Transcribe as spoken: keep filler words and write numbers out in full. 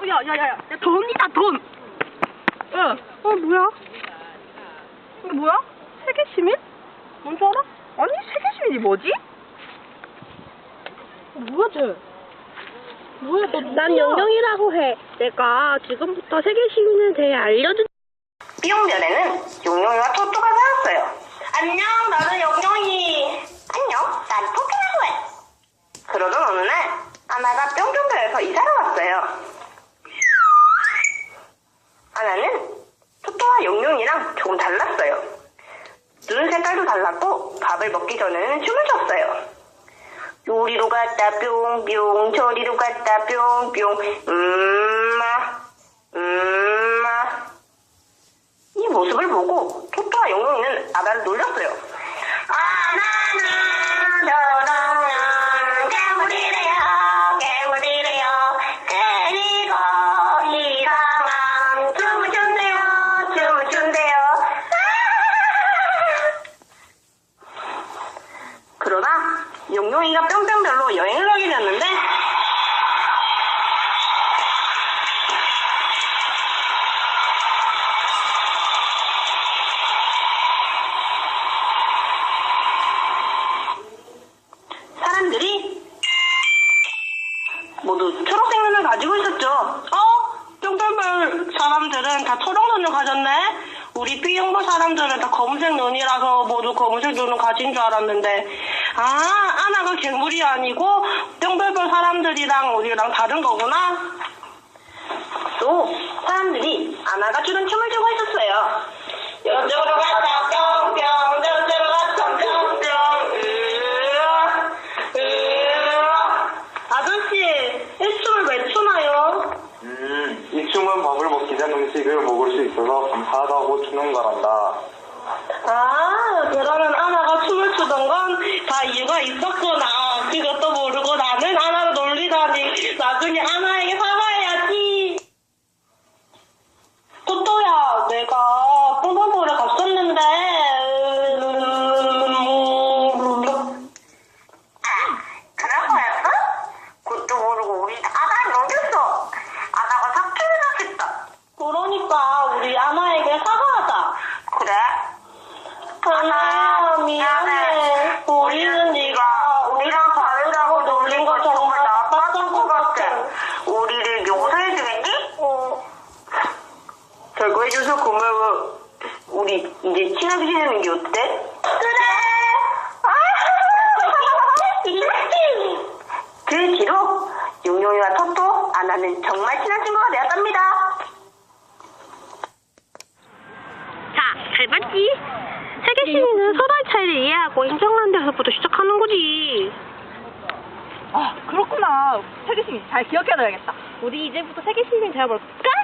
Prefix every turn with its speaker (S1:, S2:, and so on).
S1: 야, 야, 야, 야, 돈이다, 돈! 응. 어, 뭐야? 이게 뭐야? 세계시민? 뭔 줄 알아? 아니, 세계시민이 뭐지? 어, 뭐야, 쟤? 뭐야, 너
S2: 난 영영이라고 해. 내가 지금부터 세계시민에 대해 알려준.
S3: 삐용별에는 용용이와 토토가 살았어요. 안녕, 나는 용용이. 안녕, 난 토토라고 해. 그러던 어느 날 아나가 뿅뿅별에서 이사를 왔어요. 아나는 토토와 용용이랑 조금 달랐어요. 눈 색깔도 달랐고 밥을 먹기 전에는 춤을 췄어요. 요리로 갔다 뿅뿅, 저리로 갔다 뿅뿅, 음마, 음마. 이 모습을 보고 토토와 용용이는 아나를 놀렸어요. 아나는 저러는 괴물이래요, 괴물이래요. 그리고 이상한 춤을 춘대요, 춤을 춘대요. 그러다 용용이가 뿅뿅별로 여행을 가게 되었는데 사람들이 모두 초록색 눈을 가지고 있었죠. 어? 뿅뿅별 사람들은 다 초록 눈을 가졌네? 우리 B형부 사람들은 다 검은색 눈이라서 모두 검은색 눈을 가진 줄 알았는데, 아, 아나가 괴물이 아니고 뿅뿅별 사람들이랑 우리랑 다른 거구나. 또 사람들이 아나가 추는 춤을 추고 있었어요. 여쪽으로 갔다 뿅뿅, 저쪽으로 갔다 뿅뿅. 으아, 으아. 아저씨, 이 춤을 왜 추나요?
S4: 음, 이 춤은 밥을 먹기 전 음식을 먹을 수 있어서 감사하다고 추는 거란다.
S3: 아, 그러면 아나가 춤을 추던 건 다 이유가 있었구나. 그것도 모르고 나는 아나를 놀리다니. 나중에 아나에게 사과해야지. 토토야, 내가 뽕뽕보를 갔었는데. 아, 그런 거였어? 그것도 모르고 우리 아나를 녹였어. 아나가 사표를 하겠다. 그러니까 우리 아나에게 사과하자. 그래? 아나야, 미안해. 우리는 네가 우리랑 다르다고 놀린 거 정말 나빴던 것 같아. 우리를 용서해주겠니? 어. 결과해줘서 고마워. 우리 이제 친하게 지내는 게 어때? 그래. 그 뒤로 용용이와 토토, 아나는 정말 친한 친구가 되었답니다.
S2: 자, 잘 봤지? 세계시민은 서로의 차이를 이해하고 인정하는 데서부터 시작하는 거지.
S1: 아, 그렇구나. 세계시민 잘 기억해둬야겠다.
S2: 우리 이제부터 세계시민 되어볼까?